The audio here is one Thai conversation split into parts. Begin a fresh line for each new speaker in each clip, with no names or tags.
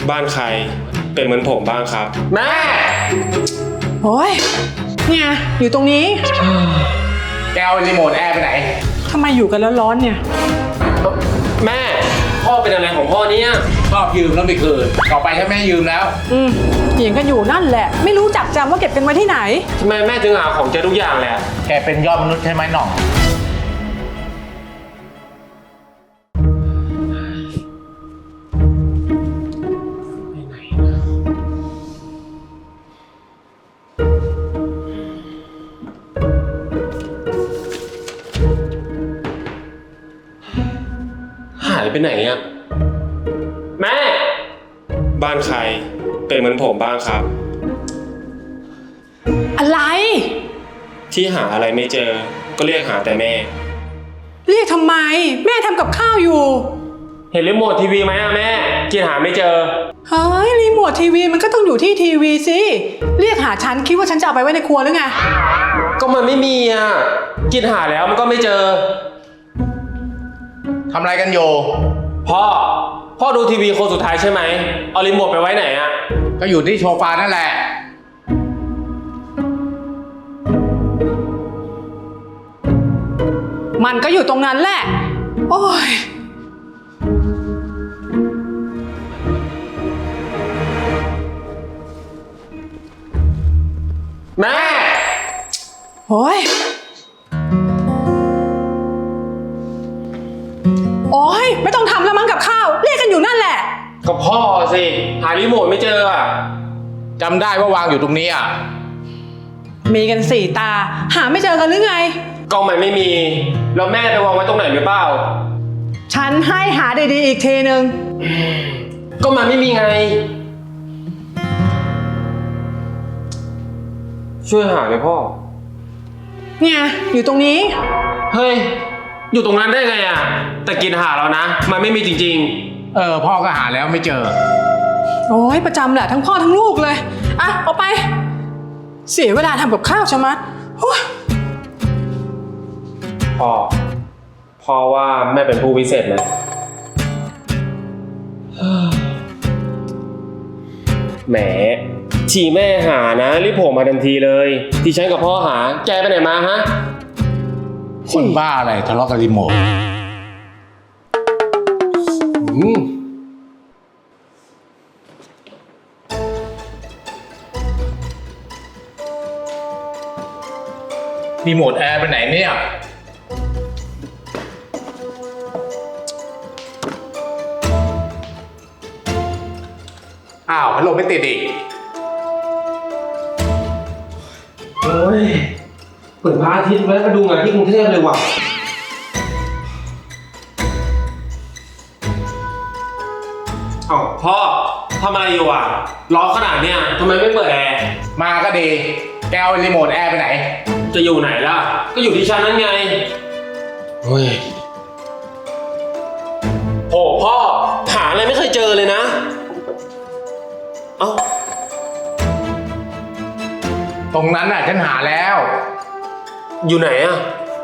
บ้านใครเป็นเหมือนผมบ้างครับแม่
โอ้ยเนี่ยอยู่ตรงนี้
แกเอารีโมทแอร์ไปไหน
ทำไมอยู่กันแล้วร้อนเนี่ย
แม่พ่อเป็นอะไรของพ่อเนี่ย
ชอบยืมแล้วไม่คืนต่อไปถ้าแม่ยืมแล้ว
เถียงกันอยู่นั่นแหละไม่รู้จักจำว่าเก็บกันไว้ที่ไหน
ทำไมแม่ถึงหาของเจอทุกอย่างแหละ
แกเป็นยอดมนุษย์ใช่ไหมหน่อง
หายไปไหนอะแม่บ้านใครเป็นเหมือนผมบ้างครับ
อะไร
ที่หาอะไรไม่เจอก็เรียกหาแต่แม่
เรียกทำไมแม่ทำกับข้าวอยู่
เห็นรีโมททีวีไหมอะแม่กินหาไม่เจอ
เฮ้ยรีโมททีวีมันก็ต้องอยู่ที่ทีวีสิเรียกหาฉันคิดว่าฉันจะเอาไปไว้ในครัวหรือไง
ก็มันไม่มีอะกินหาแล้วมันก็ไม่เจอ
ทำอะไรกันอยู่
พ่อดูทีวีคนสุดท้ายใช่ไหมเอารีโมทไปไว้ไหนอะ
ก็อยู่ที่โซฟานั่นแหละ
มันก็อยู่ตรงนั้นแหละโอ้ย
แม่
โอ้ยไม่ต้องทำแล้วมั้งกับข้าวเรียกกันอยู่นั่นแหละ
ก็พ่อสิหารีโมทไม่เจออะ
จำได้ว่าวางอยู่ตรงนี้อ่ะ
มีกัน4 ตาหาไม่เจอกันหรือไง
กล้องมันไม่มีแล้วแม่ไปวางไว้ตรงไหนหรือเปล่า
ฉันให้หาดีๆอีกทีนึง
ก็มันไม่มีไงช่วยหาเลยพ่อ
เนี่ยอยู่ตรงนี้
เฮ้ยอยู่ตรงนั้นได้ไงอ่ะแต่กินหาแล้วนะมันไม่มีจริง
ๆพ่อก็หาแล้วไม่เจอ
โอ้ยประจำแหละทั้งพ่อทั้งลูกเลยอ่ะเอาไปเสียเวลาทำกับข้าวใช่ไหม
พ่อว่าแม่เป็นผู้พิเศษไหมแหมทีแม่หานะรีบโผล่มาทันทีเลยที่ฉันกับพ่อหาแกไปไหนมาฮะ
คนบ้าอะไรทะเลาะกับรีโมทรีโมทแอร์ไปไหนเนี่ยอ้าวพัดลมไม่ติดอีก
โอ้ยเปิดพระอาทิตย์ไว้มาดูงานที่กรุงเทพเลยว่ะอ้าวพ่อทำอะไรอยู่อ่ะร้อนขนาดเนี้ยทำไมไม่เปิดแอร์
มาก็ดีแกเอารีโมทแอร์ไปไหน
จะอยู่ไหนล่ะก็อยู่ที่ชั้นนั้นไงเฮ้ยโอ้พ่อหาอะไรไม่เคยเจอเลยนะเอ้า
ตรงนั้นน่ะฉันหาแล้ว
อยู่ไหนอ่ะ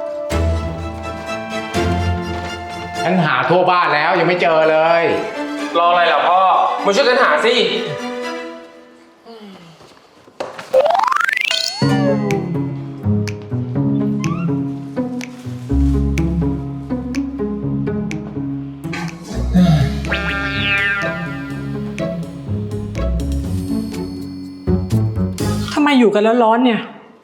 ฉันหาทั่วบ้านแล้วยังไม่เจอเลย
รออะไรล่ะพ่อมาช่วยกันหาสิ
ทำไมอยู่กันแล้วร้อนเนี่ย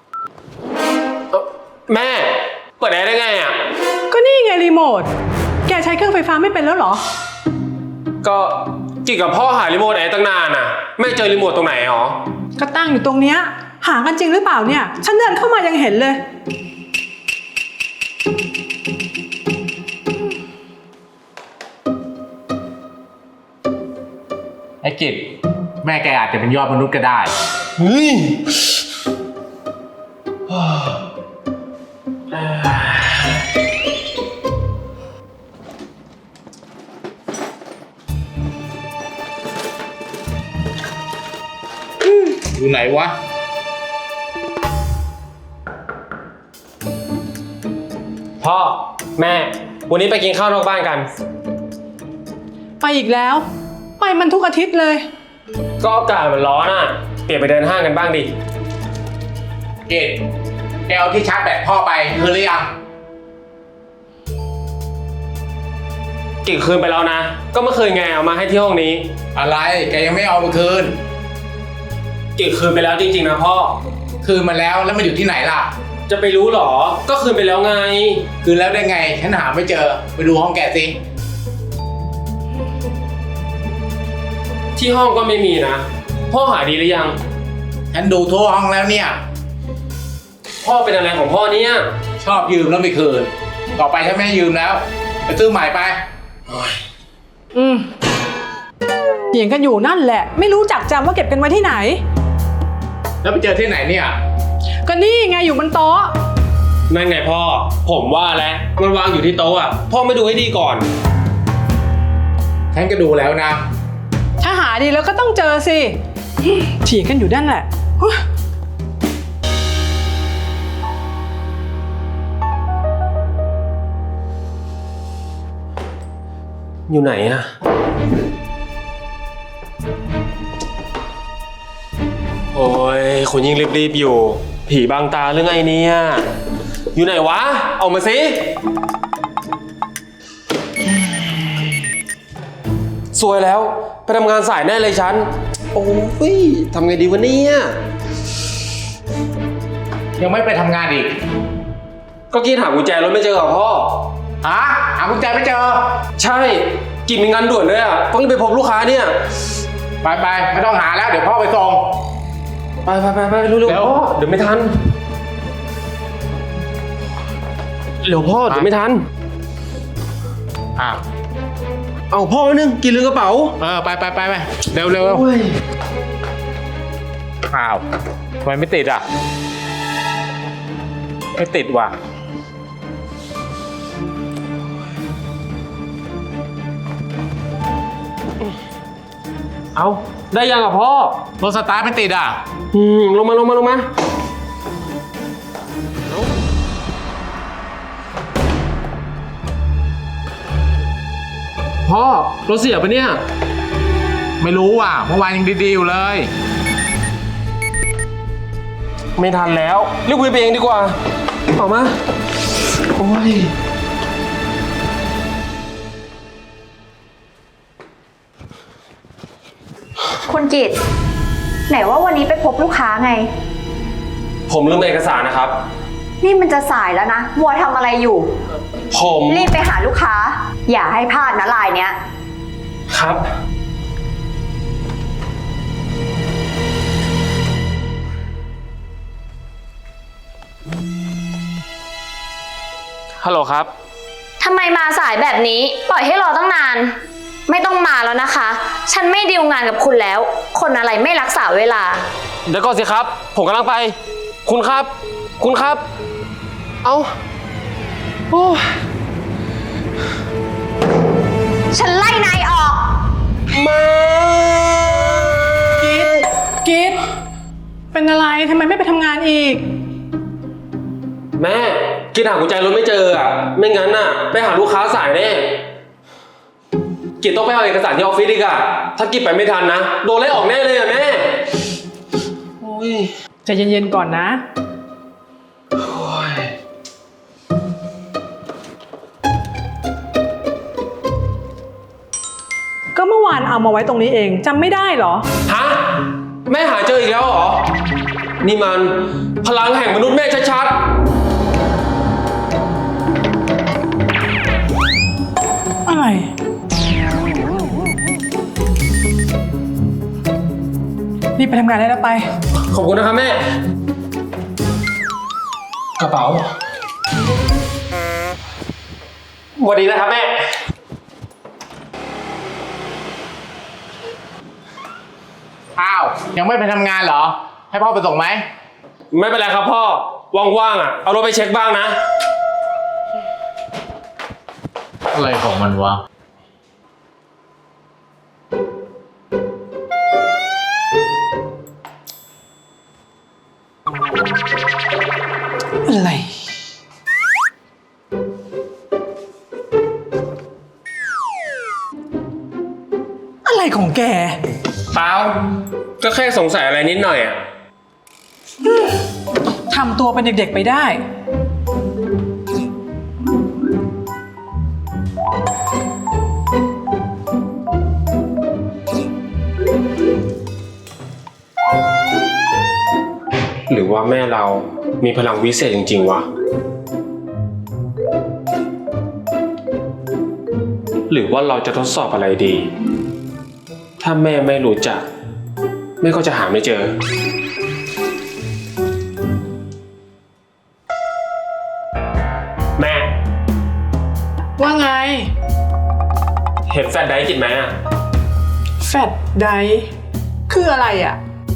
แม่เปิดแอร์ได้ไงอ่ะ
ก็นี่ไงรีโมทแกใช้เครื่องไฟฟ้าไม่เป็นแล้วเหรอ
ก็กินกับพ่อหารีโมทแอร์ตั้งนานอ่ะแม่เจอรีโมทตรงไหนหรอ
ก็ตั้งอยู่ตรงเนี้ยหากันจริงหรือเปล่าเนี่ยฉันเดินเข้ามายังเห็นเลย
ไอ้กิจแม่แกอาจจะเป็นยอดมนุษย์ก็ได้อยู่ไหนวะ
พ่อแม่วันนี้ไปกินข้าวนอกบ้านกัน
ไปอีกแล้วไปมันทุกอาทิตย์เลย
ก็อากาศมันร้อนอ่ะ เปลี่ยนไปเดินห้างกันบ้างดิ
เกดแกเอาที่ชาร์จแบตพ่อไปคืนหรือยัง
กี่คืนไปแล้วนะ ก็เมื่อคืนไงเอามาให้ที่ห้องนี้
อะไรแกยังไม่เอาไปคืน
กี่คืนไปแล้วจริงๆนะพ่อ
คืนมาแล้วมันอยู่ที่ไหนล่ะ
จะไปรู้หรอ ก็คืนไปแล้วไง
คืนแล้วได้ไงฉันหาไม่เจอไปดูห้องแกสิ
ที่ห้องก็ไม่มีนะ พ่อหาดีหรือยัง
ฉันดูทั่วห้องแล้วเนี่ย
พ่อเป็นอะไรของพ่อเนี่ย
ชอบยืมแล้วไม่คืน ต่อไปฉันไม่ให้ยืมแล้วไปซื้อใหม่ไป
เถียงกันอยู่นั่นแหละ ไม่รู้จักจำว่าเก็บกันไว้ที่ไหน
แล้วไปเจอที่ไหนเนี่ย
ก็นี่ไงอยู่บนโต๊ะ
นั่นไงพ่อ ผมว่าแล้วมันวางอยู่ที่โต๊ะอ่ะ พ่อไม่ดูให้ดีก่อน
ฉันก็ดูแล้วนะ
ถ้าหาดีแล้วก็ต้องเจอสิเถียงกันอยู่นั่นแหละฮู้
อยู่ไหนอะโอ้ยคนยิ่งรีบๆอยู่ ผีบางตาเรื่องไงเนี่ยอยู่ไหนวะ เอามาสิสวยแล้ว ไปทำงานสายแน่เลยฉัน โอ้ยทำไงดีวะเนี่ย
ยังไม่ไปทำงานอีก
ก็กินหากุญแจรถไม่เจอเหรอพ่อ
ฮะหากุญแจไม่เจอ
ใช่กินมีงานด่วนด้วยอ่ะต้องรีบไปพบลูกค้าเนี่ย
ไปไม่ต้องหาแล้วเดี๋ยวพ่อไปส่ง
ไปเร็ว
เร็ว
พ่อเดี๋ยวไม่ทันเร็วพ่อเดี๋ยวไม่ทัน
อ้าว
เอาพ่อนึงกินลืมกระเป๋า
ไปเร็ว
โอ้ย
อ้าวทำไมไม่ติดอ่ะ ไม่ติดว่ะ
เอาได้ยังอ่ะพ่อ
รถสตาร์ทไม่ติดอ่ะ
ลงมาพ่อรถเสียปะเนี่ย
ไม่รู้ว่ะเมื่อวานยังดีๆอยู่เลย
ไม่ทันแล้วรีบคุยไปเองดีกว่าเอามาโอ้ย
คุณกิตไหนว่าวันนี้ไปพบลูกค้าไง
ผมลืมเอกสารนะครับ
นี่มันจะสายแล้วนะมัวทำอะไรอยู่
ผม
รีบไปหาลูกค้า อย่าให้พลาดนะลายเนี้ย
ครับฮัลโหลครับ
ทำไมมาสายแบบนี้ปล่อยให้รอตั้งนาน ไม่ต้องมาแล้วนะคะ ฉันไม่ดีลงานกับคุณแล้ว คนอะไรไม่รักษาเวลา
เดี๋ยวก่อนสิครับ ผมกำลังไป คุณครับ เอาโอ้
ฉันไล่นายออก
มา
กิดเป็นอะไรทำไมไม่ไปทำงานอีก
แม่กินหากุญแจรถไม่เจออ่ะ ไม่งั้นน่ะ ไปหาลูกค้าสายแน่กิจต้องไปเอาเอกสารที่ออฟฟิศอีกอ่ะ ถ้ากิจไปไม่ทันนะ โดนไล่ออกแน่เลยอ่ะแม่โอ้ย
ใจเย็นๆก่อนนะ ก็เมื่อวานเอามาไว้ตรงนี้เองจำไม่ได้เหรอ
ฮะแม่หาเจออีกแล้วเหรอ นี่มันพลังแห่งมนุษย์แม่ชัด
อะไร รีบไปทำงานได้แล้วไป
ๆขอบคุณนะครับแม่ กระเป๋าสวัสดีนะครับแม่
อ้าวยังไม่ไปทำงานเหรอ ให้พ่อไปส่งไหม
ไม่เป็นไรครับพ่อ ว่างๆอ่ะ เอารถไปเช็คบ้างนะ
อะไรของมันวะ
อะไร อะไรของแกแก
เปล่าก็แค่สงสัยอะไรนิดหน่อยอ่ะ
ทำตัวเป็นเด็กๆไปได้
หรือว่าแม่เรามีพลังวิเศษจริงๆวะ หรือว่าเราจะทดสอบอะไรดี ถ้าแม่ไม่รู้จักแม่ก็จะหาไม่เจอ แม่
ว่าไง
เห็นแฟลชไดรฟ์กินไหมอ่ะ
แฟดไดคืออะไรอ่ะ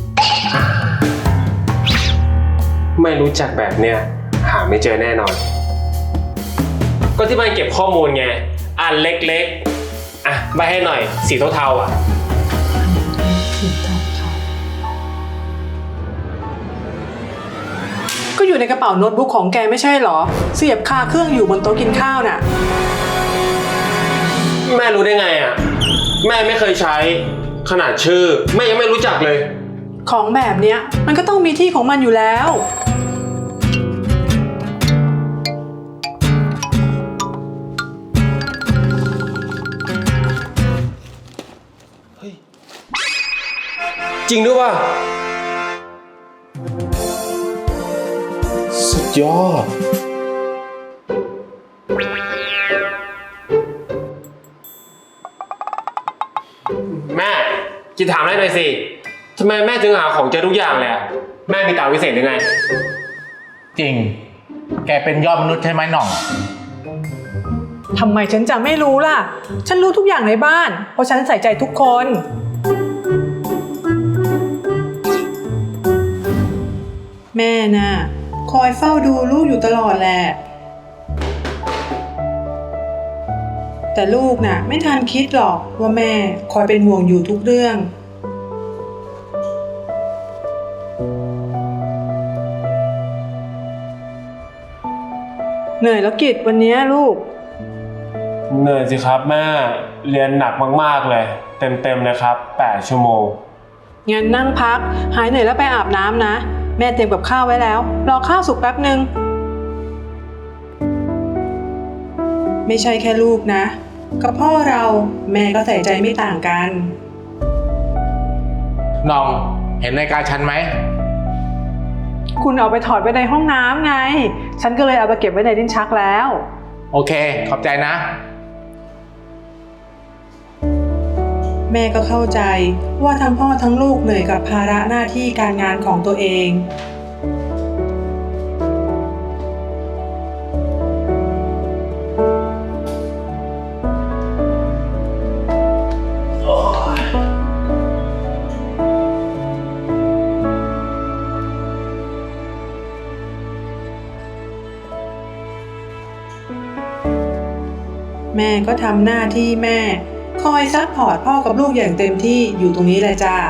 ไม่รู้จักแบบเนี้ยหาไม่เจอแน่นอน ก็ที่มันเก็บข้อมูลไงอันเล็กๆอ่ะใบให้หน่อยสีเทาๆอ่ะ
ก็อยู่ในกระเป๋าโน้ตบุ๊กของแกไม่ใช่เหรอ เสียบคาเครื่องอยู่บนโต๊ะกินข้าวน่ะ
แม่รู้ได้ไงอ่ะแม่ไม่เคยใช้ขนาดชื่อแม่ยังไม่รู้จักเลย
ของแบบเนี้ยมันก็ต้องมีที่ของมันอยู่แล้ว
จริงด้วยป่ะสุดยอดแม่กินถามได้หน่อยสิทำไมแม่ถึงหาของเจอทุกอย่างเลยอะแม่มีตาวิเศษหรือไง
จริง แกเป็นยอดมนุษย์ใช่ไหมหน่อง
ทำไมฉันจะไม่รู้ล่ะ ฉันรู้ทุกอย่างในบ้าน เพราะฉันใส่ใจทุกคน แม่น่ะ คอยเฝ้าดูลูกอยู่ตลอดแหละ แต่ลูกน่ะ ไม่ทันคิดหรอกว่าแม่คอยเป็นห่วงอยู่ทุกเรื่อง เหนื่อยแล้วกิจวันนี้ลูก
เหนื่อยสิครับแม่เรียนหนักมากๆเลยเต็มๆเลยครับ8 ชั่วโมง
งั้นนั่งพัก หายเหนื่อยแล้วไปอาบน้ำนะ แม่เตรียมกับข้าวไว้แล้ว รอข้าวสุกแป๊บนึง ไม่ใช่แค่ลูกนะ กับพ่อเราแม่ก็ใส่ใจไม่ต่างกัน
น้องเห็นนาฬิกาฉันไหม
คุณเอาไปถอดไว้ในห้องน้ำไง ฉันก็เลยเอาไปเก็บไว้ในลิ้นชักแล้ว
โอเค ขอบใจนะ
แม่ก็เข้าใจว่าทั้งพ่อทั้งลูกเหนื่อยกับภาระหน้าที่การงานของตัวเอง แม่ก็ทำหน้าที่แม่ คอยซัพพอร์ตพ่อกับลูกอย่างเต็มที่อยู่ตรงนี้เลยจ้า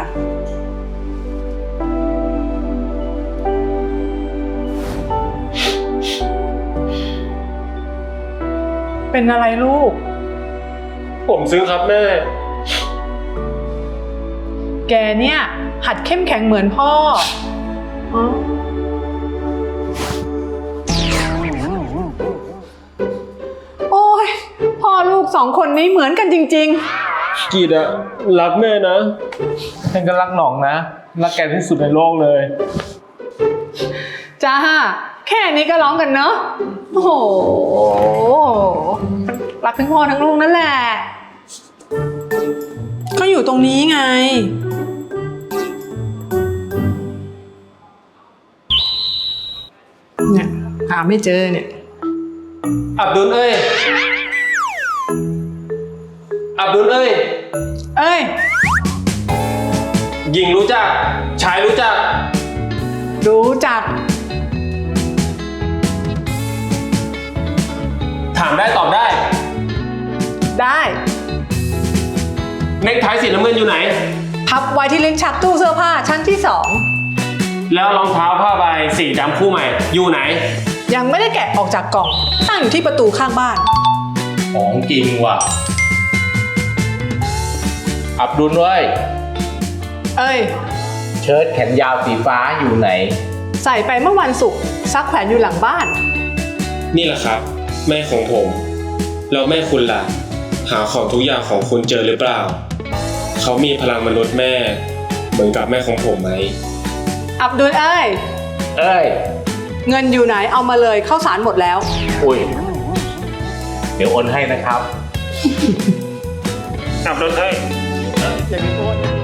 เป็นอะไรลูก
ผมซึ้งครับแม่
แกเนี่ย หัดเข้มแข็งเหมือนพ่ออ๋อโอ้ยพ่อลูกสองคนนี้เหมือนกันจริงๆ
กีดอะรักแม่นะฉันก็รักหน่องนะรักแกที่สุดในโลกเลย
จ้า แค่นี้ก็ร้องกันเนอะโอ้โห รักทั้งพ่อทั้งลูกนั่นแหละเขาอยู่ตรงนี้ไง เนี่ยหาไม่เจอเนี่ย
อับดุลเอ้ย อับดุลเอ้ย
เอ้ย
หญิงรู้จัก ชายรู้จัก
รู้จัก
ถามได้ตอบได้
ได้
เน็กไทสีน้ำเงินอยู่ไหน
พับไว้ที่ลิ้นชักตู้เสื้อผ้าชั้นที่
แล้วรองเท้าผ้าใบสีดำคู่ใหม่ อยู่ไหน
2ยังไม่ได้แกะออกจากกล่อง ตั้งอยู่ที่ประตูข้างบ้าน
ของจริงว่ะอับดุลเว้ย
เอ้ย
เชิ้ตแขนยาวสีฟ้าอยู่ไหน
ใส่ไปเมื่อวันศุกร์ซักแขวนอยู่หลังบ้าน
นี่แหละครับ แม่ของผม แล้วแม่คุณล่ะ หาของทุกอย่างของคุณเจอหรือเปล่า เขามีพลังมนุษย์แม่ เหมือนกับแม่ของผมไหม
อับดุลเอ้ย
เอ้ย
เงินอยู่ไหนเอามาเลยข้าวสารหมดแล้ว
อุ้ย เดี๋ยวโอนให้นะครับ
อับดุลเอ้ย
อย่ามีโอน